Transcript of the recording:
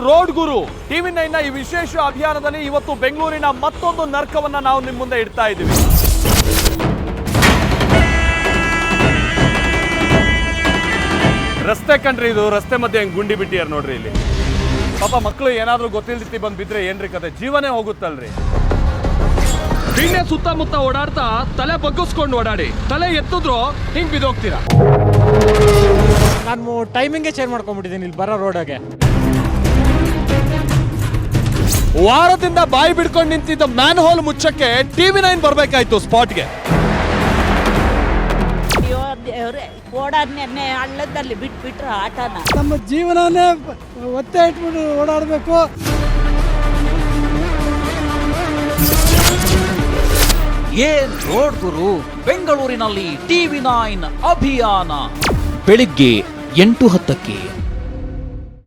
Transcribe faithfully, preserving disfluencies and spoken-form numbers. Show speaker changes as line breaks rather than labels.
Road ಗುರು TV nine ನ ಈ ವಿಶೇಷ ಅಭಿಯಾನದಲ್ಲಿ ಇವತ್ತು ಬೆಂಗಳೂರಿನ ಮತ್ತೊಂದು ನರ್ಕವನ್ನ ನಾವು ನಿಮ್ಮ ಮುಂದೆ ಇಡ್ತಾ ಇದ್ದೀವಿ. ರಸ್ತೆ ಕಂಡ್ರಿ, ಇದು ರಸ್ತೆ ಮಧ್ಯೆ ಹೆಂಗ್ ಗುಂಡಿ ಬಿಟ್ಟಿಯಾರ ನೋಡ್ರಿ. ಇಲ್ಲಿ ಪಾಪ ಮಕ್ಕಳು ಏನಾದ್ರೂ ಗೊತ್ತಿಲ್ದಿತ್ತಿ ಬಂದ್ ಬಿದ್ರೆ ಏನ್ರಿ ಕತೆ, ಜೀವನೇ ಹೋಗುತ್ತಲ್ರಿ.
ಬಿಣ್ಣೆ ಸುತ್ತಮುತ್ತ ಓಡಾಡ್ತಾ ತಲೆ ಬಗ್ಗಿಸ್ಕೊಂಡು ಓಡಾಡಿ, ತಲೆ ಎತ್ತಿದ್ರು ಹಿಂಗ್ ಬಿದ್ದೋಗ್ತೀರಾ.
ನಾನು ಟೈಮಿಂಗೇ ಚೇಂಜ್ ಮಾಡ್ಕೊಂಡ್ಬಿಟ್ಟಿದ್ದೀನಿ ಇಲ್ಲಿ ಬರೋ ರೋಡಾಗೆ.
ವಾರದಿಂದ ಬಾಯಿ ಬಿಡ್ಕೊಂಡು ನಿಂತಿದ್ದ ಮ್ಯಾನ್ ಹೋಲ್ ಮುಚ್ಚಕ್ಕೆ ಟಿವಿ ನೈನ್ ಬರ್ಬೇಕಾಯ್ತು ಸ್ಪಾಟ್ಗೆ.
ಓಡಾಡ್ನೆ ಹಳ್ಳದಲ್ಲಿ ಬಿಟ್ಬಿಟ್ರ ಆಟನ.
ನಮ್ಮ ಜೀವನನೇ ಒತ್ತೆ ಇಟ್ಬಿಟ್ಟು ಓಡಾಡಬೇಕು.
ಏನ್ ರೋಡ್ ಗುರು ಬೆಂಗಳೂರಿನಲ್ಲಿ ಟಿವಿ ನೈನ್ ಅಭಿಯಾನ ಬೆಳಿಗ್ಗೆ ಎಂಟು ಹತ್ತಕ್ಕೆ.